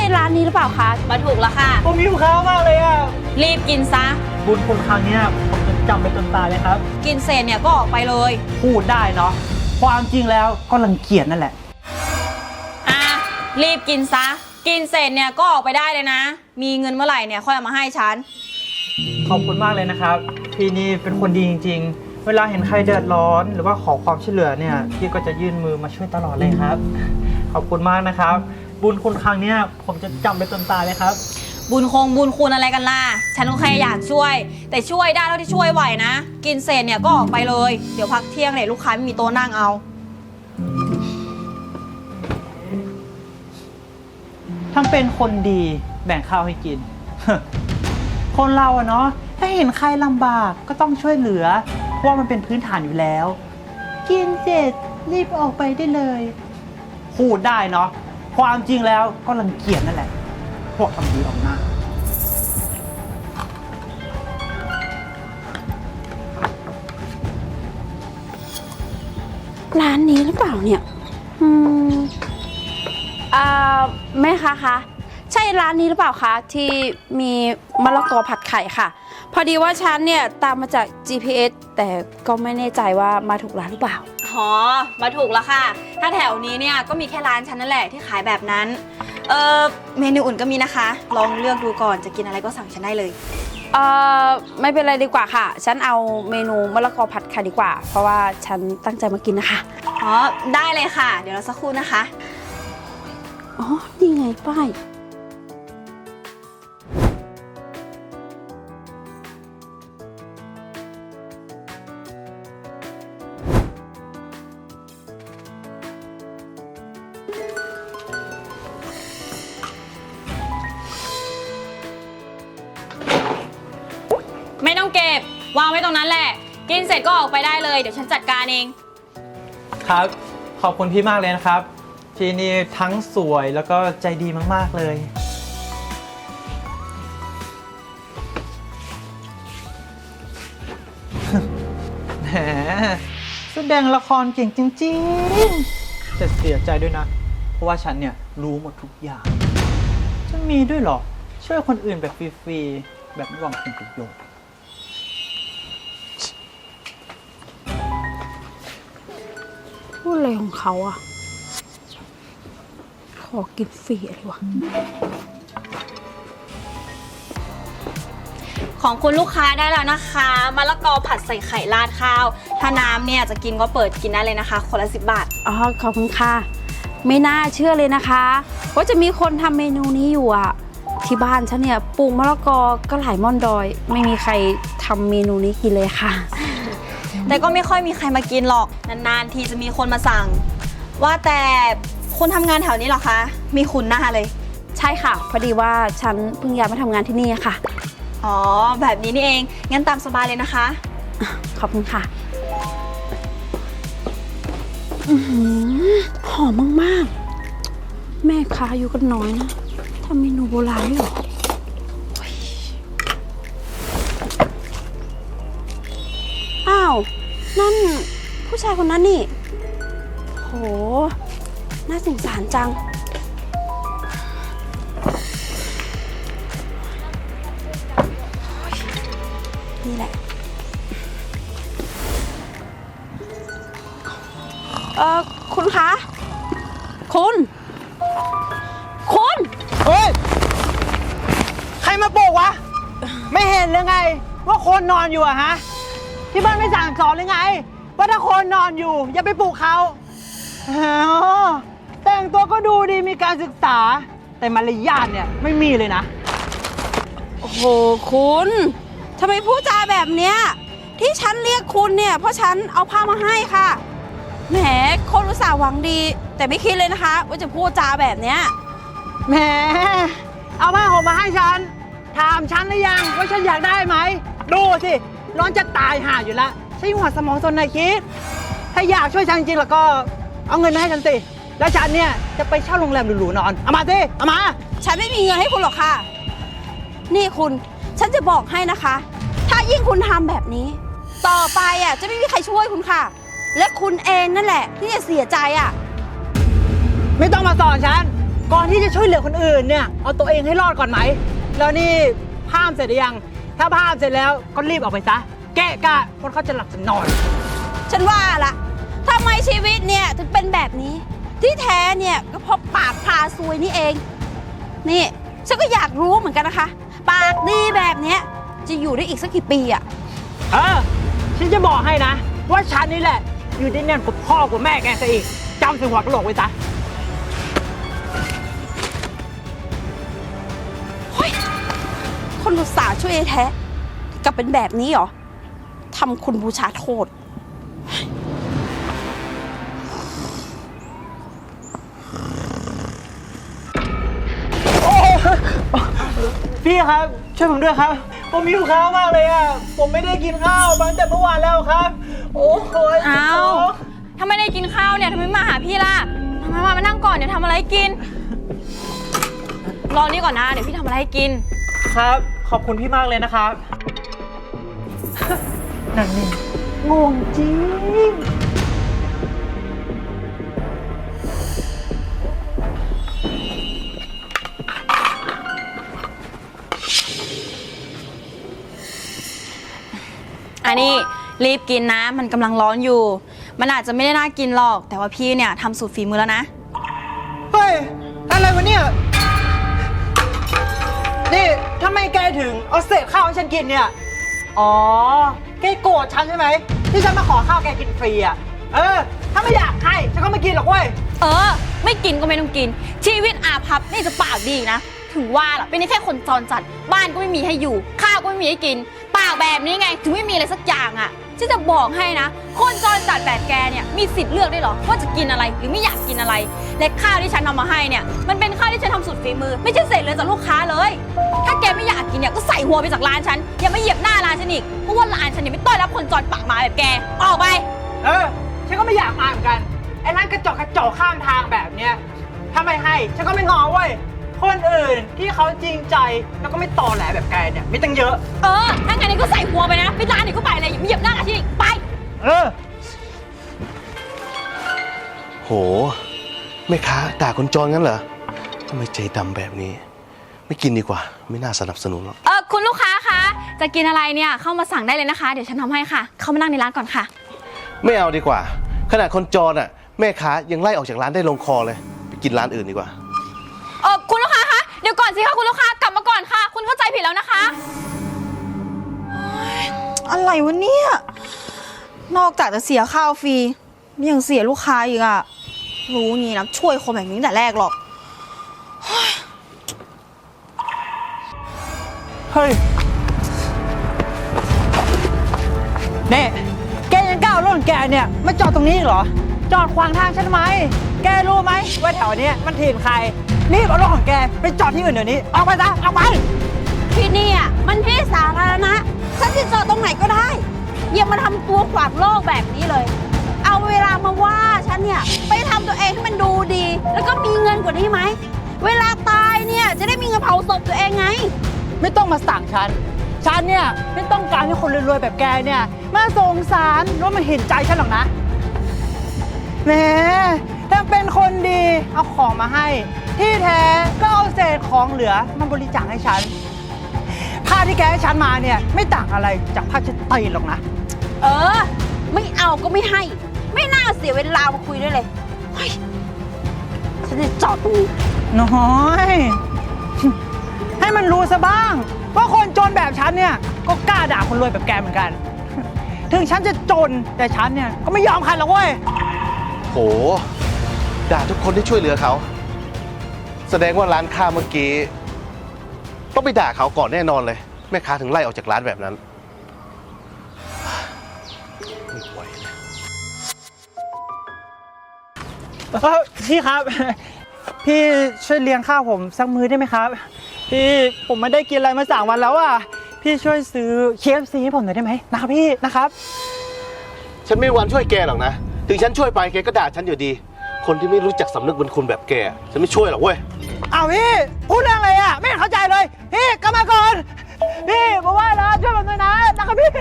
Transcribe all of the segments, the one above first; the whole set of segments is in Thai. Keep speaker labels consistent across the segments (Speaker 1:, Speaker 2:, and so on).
Speaker 1: ร้านนี้หรือเปล่าคะมาถูกแล้วค่ะ
Speaker 2: ผมหิวข้าวมากเลยอ่ะ
Speaker 1: รีบกินซะ
Speaker 2: บุญคุณครั้งนี้ผมจะจำไปจนตายเลยครับ
Speaker 1: กินเสร็จเนี่ยก็ออกไปเลย
Speaker 2: พูดได้เนาะความจริงแล้วก็รังเกียจนั่นแหละ
Speaker 1: รีบกินซะกินเสร็จเนี่ยก็ออกไปได้เลยนะมีเงินเมื่อไหร่เนี่ยค่อยเอามาให้ฉัน
Speaker 2: ขอบคุณมากเลยนะครับพี่นี่เป็นคนดีจริงๆเวลาเห็นใครเดือดร้อนหรือว่าขอความช่วยเหลือเนี่ยพี่ก็จะยื่นมือมาช่วยตลอดเลยครับขอบคุณมากนะครับบุญคุณครั้งนี้ผมจะจำไปจนตายเลยครับ
Speaker 1: บุญคุณอะไรกันล่ะฉันก็แค่อยากช่วยแต่ช่วยได้เท่าที่ช่วยไหวนะกินเสร็จเนี่ยก็ออกไปเลยเดี๋ยวพักเที่ยงเนี่ยลูกค้าไม่มีโต๊ะนั่งเอา
Speaker 2: ทำเป็นคนดีแบ่งข้าวให้กิน คนเราอะเนาะถ้าเห็นใครลำบากก็ต้องช่วยเหลือเพราะว่ามันเป็นพื้นฐานอยู่แล้วกินเสร็จรีบออกไปได้เลยพูดได้เนาะความจริงแล้วก็รังเกียจนั่นแหละพวกทำดีออกหน้า
Speaker 1: ร้านนี้หรือเปล่าเนี่ยแม่คะใช่ร้านนี้หรือเปล่าคะที่มีมะละกอผัดไข่ค่ะพอดีว่าฉันเนี่ยตามมาจาก GPS แต่ก็ไม่แน่ใจว่ามาถูกร้านหรือเปล่าอ๋อมาถูกแล้วค่ะถ้าแถวนี้เนี่ยก็มีแค่ร้านฉันนั่นแหละที่ขายแบบนั้นเมนูอื่นก็มีนะคะลองเลือกดูก่อนจะกินอะไรก็สั่งฉันได้เลยไม่เป็นไรดีกว่าค่ะฉันเอาเมนูมะละกอผัดไข่ดีกว่าเพราะว่าฉันตั้งใจมากินนะคะอ๋อได้เลยค่ะเดี๋ยวเราสักครู่นะคะอ๋อนี่ไงป้ายไม่ต้องเก็บวางไว้ตรงนั้นแหละกินเสร็จก็ออกไปได้เลยเดี๋ยวฉันจัดการเอง
Speaker 2: ครับขอบคุณพี่มากเลยนะครับพี่นี่ทั้งสวยแล้วก็ใจดีมากๆเลยแหมแสดงละครเก่งจริงๆแต่เสียใจด้วยนะเพราะว่าฉันเนี่ยรู้หมดทุกอย่างจะมีด้วยหรอช่วยคนอื่นแบบฟรีๆแบบไม่หวังผลประโยชน์
Speaker 1: พูดอะไรของเขาอะขอกินฟรีอะไรวะของคุณลูกค้าได้แล้วนะคะมะละกอผัดใส่ไข่ราดข้าวถ้าน้ำเนี่ยจะกินก็เปิดกินได้เลยนะคะคนละ10 บาทอ๋อขอบคุณค่ะไม่น่าเชื่อเลยนะคะว่าจะมีคนทำเมนูนี้อยู่อะที่บ้านฉันเนี่ยปลูกมะละกอก็หลายม่อนดอยไม่มีใครทำเมนูนี้กินเลยค่ะแต่ก็ไม่ค่อยมีใครมากินหรอกนานๆทีจะมีคนมาสั่งว่าแต่คนทำงานแถวนี้เหรอคะมีคุณหน้าเลยใช่ค่ะพอดีว่าฉันเพิ่งย้ายมาทำงานที่นี่ค่ะอ๋อแบบนี้นี่เองงั้นตามสบายเลยนะคะขอบคุณค่ะหอมมากๆแม่ค้าอยู่กันน้อยนะทำเมนูโบราณด้วยเหรออ้าวนั่นผู้ชายคนนั้นนี่โหน่าสงสารจังนี่แหละคุณคะคุณ
Speaker 2: เฮ้ยใครมาปลุกวะไม่เห็นเลยไงว่าคนนอนอยู่อะฮะที่บ้านไม่สั่งสอนเลยไงว่าถ้าคนนอนอยู่อย่าไปปลุกเขาแต่งตัวก็ดูดีมีการศึกษาแต่มารยาทเนี่ยไม่มีเลยนะ
Speaker 1: โอ้โหคุณทำไมพูดจาแบบเนี้ยที่ฉันเรียกคุณเนี่ยเพราะฉันเอาผ้ามาให้ค่ะแหมคนอุตส่าห์หวังดีแต่ไม่คิดเลยนะคะว่าจะพูดจาแบบเนี้ย
Speaker 2: แหมเอาผ้าห่มมาให้ฉันถามฉันหรือยังว่าฉันอยากได้ไหมดูสิร้อนจะตายห่าอยู่แล้วใช้หัวสมองส่วนไหนคิดถ้าอยากช่วยฉันจริงๆแล้วก็เอาเงินมาให้ฉันสิแล้วฉันเนี่ยจะไปเช่าโรงแรมหรูๆนอนเอามาสิเอามา
Speaker 1: ฉันไม่มีเงินให้คุณหรอกค่ะนี่คุณฉันจะบอกให้นะคะถ้ายิ่งคุณทำแบบนี้ต่อไปอ่ะจะไม่มีใครช่วยคุณค่ะและคุณเองนั่นแหละที่จะเสียใจอ่ะ
Speaker 2: ไม่ต้องมาสอนฉันก่อนที่จะช่วยเหลือคนอื่นเนี่ยเอาตัวเองให้รอดก่อนไหมแล้วนี่พามเสร็จหรือยังถ้าพามเสร็จแล้วก็รีบออกไปซะแกะกะคนเขาจะหลับจะนอน
Speaker 1: ฉันว่าละทำไมชีวิตเนี่ยถึงเป็นแบบนี้ ที่แท้เนี่ยก็เพราะปากพาซวยนี่เอง นี่ฉันก็อยากรู้เหมือนกันนะคะ ปากดีแบบเนี้ยจะอยู่ได้อีกสักกี่ปีอะ
Speaker 2: ฉันจะบอกให้นะ ว่าฉันนี่แหละ อยู่ได้แน่นกว่าพ่อกว่าแม่แกซะอีกจำถึงหัวกะโหลกไว้ซะ
Speaker 1: เฮ้ยคนอุตส่าห์ช่วยแท้กลับเป็นแบบนี้เหรอทำคุณบูชาโทษ
Speaker 2: พี่ครับช่วยผมด้วยครับ ผมหิวข้าวมากเลยอ่ะผมไม่ได้กินข้าวมาตั้งแต่เมื่อวานแล้วครับ โอ้ย
Speaker 1: อ้าวถ้าไม่ได้กินข้าวเนี่ยทำไมไม่มาหาพี่ล่ะมานั่งก่อนเดี๋ยวทำอะไรให้กิน รอนี่ก่อนนะเดี๋ยวพี่ทำอะไรให้กิน
Speaker 2: ครับขอบคุณพี่มากเลยนะครับ นั่นนี่งงจริง
Speaker 1: อันนี้รีบกินนะมันกำลังร้อนอยู่ มันอาจจะไม่ได้น่ากินหรอกแต่ว่าพี่เนี่ยทำสูตรฝีมือแล้วนะ
Speaker 2: เฮ้ยอะไรวะเนี่ยนี่ทำไมแกถึงเอาเศษข้าวให้ฉันกินเนี่ยอ๋อแกโกรธฉันใช่ไหมที่ฉันมาขอข้าวแกกินฟรีอ่ะถ้าไม่อยากให้ฉันก็ไม่กินหรอกเว้ย
Speaker 1: ไม่กินก็ไม่ต้องกินชีวิตอาภัพนี่จะปากดีนะถึงว่าล่ะเป็นแค่คนจรจัดบ้านก็ไม่มีให้อยู่ข้าวก็ไม่มีให้กินปากแบบนี้ไงถึงไม่มีอะไรสักอย่างอ่ะฉันจะบอกให้นะคนจรจัดแบบแกเนี่ยมีสิทธิ์เลือกได้หรอว่าจะกินอะไรหรือไม่อยากกินอะไรและข้าวที่ฉันทำมาให้เนี่ยมันเป็นข้าวที่ฉันทำสุดฝีมือไม่ใช่เศษเลยจากลูกค้าเลยถ้าแกไม่อยากกินเนี่ยก็ใส่หัวไปจากร้านฉันอย่ามาเหยียบหน้าร้านฉันอีกเพราะว่าร้านฉันเนี่ยไม่ต้อนรับคนจรปากหมาแบบแกออกไป
Speaker 2: ฉันก็ไม่อยากมาเหมือนกันไอ้ร้านกระจอกข้างทางแบบเนี้ยถ้าไม่ให้ฉันก็ไม่งอเว้ยคนอื่นที่เขาจริงใจแล้วก็ไม่ตอแหลแบบแกเนี่ยมีตั้งเยอะ
Speaker 1: ถ้างั้นนี่ก็ใส่หัวไปนะไปร้านไหนก็ไปเลยอย่ามาเหยียบหน้าร้านฉันอีกไป
Speaker 3: โหแม่ค้าด่าคนจรงั้นเหรอทำไมใจดำแบบนี้ไม่กินดีกว่าไม่น่าสนับสนุนหรอก
Speaker 1: คุณลูกค้าคะจะกินอะไรเนี่ยเข้ามาสั่งได้เลยนะคะเดี๋ยวฉันทำให้ค่ะเข้ามานั่งในร้านก่อนค่ะ
Speaker 3: ไม่เอาดีกว่าขนาดคนจรอ่ะแม่ค้ายังไล่ออกจากร้านได้ลงคอเลยไปกินร้านอื่นดีกว่า
Speaker 1: คุณลูกค้าคะเดี๋ยวก่อนสิคะคุณลูกค้ากลับมาก่อนค่ะคุณเข้าใจผิดแล้วนะคะอะไรวะเนี่ยนอกจากจะเสียข้าวฟรียังเสียลูกค้าอีกอะรู้งี้นะช่วยคนแบบนี้แต่แรกหรอก
Speaker 2: เฮ้ยเนี่ยแกยังก้าวร่นแกเนี่ยมาจอดตรงนี้เหรอจอดขวางทางฉันไหมแกรู้ไหมว่าแถวนี้มันถิ่นใครรีบเอารถของแกไปจอดที่อื่นเดี๋ยวนี้ออกไปซะออกไป
Speaker 1: ที่นี่อ่ะมันที่สาธารณะฉันจะจอดตรงไหนก็ได้อย่ามาทำตัวขวางโลกแบบนี้เลยเอาเวลามาว่าฉันเนี่ยไปทำตัวเองให้มันดูดีแล้วก็มีเงินกว่านี้ไหมเวลาตายเนี่ยจะได้มีเงินเผาศพตัวเองไง
Speaker 2: ไม่ต้องมาสั่งฉันเนี่ยไม่ต้องการให้คนรวยๆแบบแกเนี่ยมาสงสารหรือว่ามาเห็นใจฉันหรอกนะแหมถ้าเป็นคนดีเอาของมาให้ที่แท้ก็เอาเศษของเหลือมาบริจาคให้ฉันผ้าที่แกให้ฉันมาเนี่ยไม่ต่างอะไรจากผ้าเช็ดตีนหรอกนะ
Speaker 1: ไม่เอาก็ไม่ให้ไม่น่าเสียเวลามาคุยด้วยเลยฉันจะจอดตรงนี้
Speaker 2: น้อยให้มันรู้ซะบ้างว่าคนจนแบบฉันเนี่ยก็กล้าด่าคนรวยแบบแกเหมือนกันถึงฉันจะจนแต่ฉันเนี่ยก็ไม่ยอมใครหรอกเว้ย
Speaker 3: โหด่าทุกคนที่ช่วยเหลือเขาแสดงว่าร้านค้าเมื่อกี้ต้องไปด่าเขาก่อนแน่นอนเลยแม่ค้าถึงไล่ออกจากร้านแบบนั้นไม่ไหว
Speaker 2: เลยพี่ครับพี่ช่วยเลี้ยงข้าวผมสักมื้อได้ไหมครับพี่ผมไม่ได้กินอะไรมา3 วันแล้วอ่ะพี่ช่วยซื้อ KFC ให้ผมหน่อยได้ไหมนะครับพี่นะครับ
Speaker 3: ฉันไม่มีวันช่วยแกหรอกนะถึงฉันช่วยไปแกก็ด่าฉันอยู่ดีคนที่ไม่รู้จักสำนึกบุญคุณแบบแกฉันไม่ช่วยหรอกเว้ย
Speaker 2: อ้าวพี่พูดเรื่องอะไรอ่ะไม่เข้าใจเลยพี่กลับมาก่อนพี่บอกว่าแล้วช่วยผมหน่อยนะนะครับพี่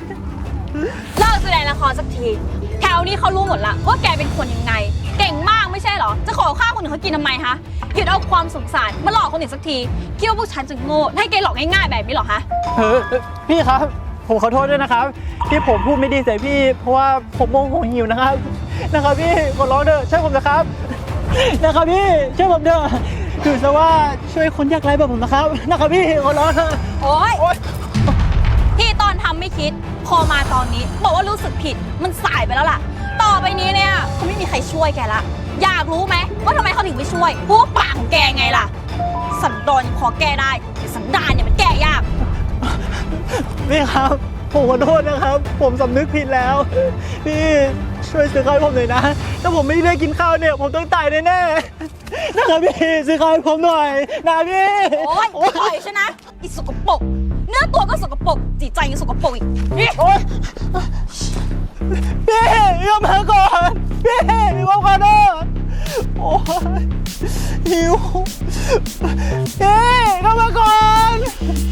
Speaker 1: เลิกแสดงละครสักทีแถวนี้เขารู้หมดละว่าแกเป็นคนยังไงเก่งมากไม่ใช่เหรอ จะขอข้าวคนอื่นเขากินทำไมคะหยุดเอาความสงสารมาหลอกคนอื่นสักทีคิดว่าพวกฉันจะโง่ให้แกหลอกง่ายๆแบบนี้เหรอคะ
Speaker 2: พี่ครับ ผมขอโทษด้วยนะครับที่ผมพูดไม่ดีใส่พี่ เพราะว่าผมโมโหหิวนะครับพี่ขอร้องเถอะช่วยผมนะครับพี่ช่วยผมเถอะถือซะว่าช่วยคนยากไร้แบบผมนะครับพี่ขอร้องเถอะ
Speaker 1: โอ๊ยที่ตอนทำไม่คิด พอมาตอนนี้บอกว่ารู้สึกผิดมันสายไปแล้วล่ะ ต่อไปนี้เนี่ยคงไม่มีใครช่วยแกละ อยากรู้ไหมว่าทำไมเขาถึงไม่ช่วยพวกปากของแกไงล่ะ สันดานยังพอแก้ได้แต่สันดานเนี่ยมันแก้ยาก
Speaker 2: พี่ครับผมขอโทษนะครับ ผมสำนึกผิดแล้วพี่ช่วยซื้อข้าวให้ผมหน่อยนะถ้าผมไม่ได้กินข้าวเนี่ยผมต้องตายแน่ๆนะครับพี่ซื้อข้าวให้ผมหน่อยนะพี่
Speaker 1: โอ๊ยปล่อยฉันนะอีสกปรกเนื้อตัวก็สกปรกจิตใจยังสกปรกอีกนี่
Speaker 2: โอ๊ยพี่ยอมมาก่อนพี่มีความขอโทษโอ้ยหิวพี่ยอมมาก่อน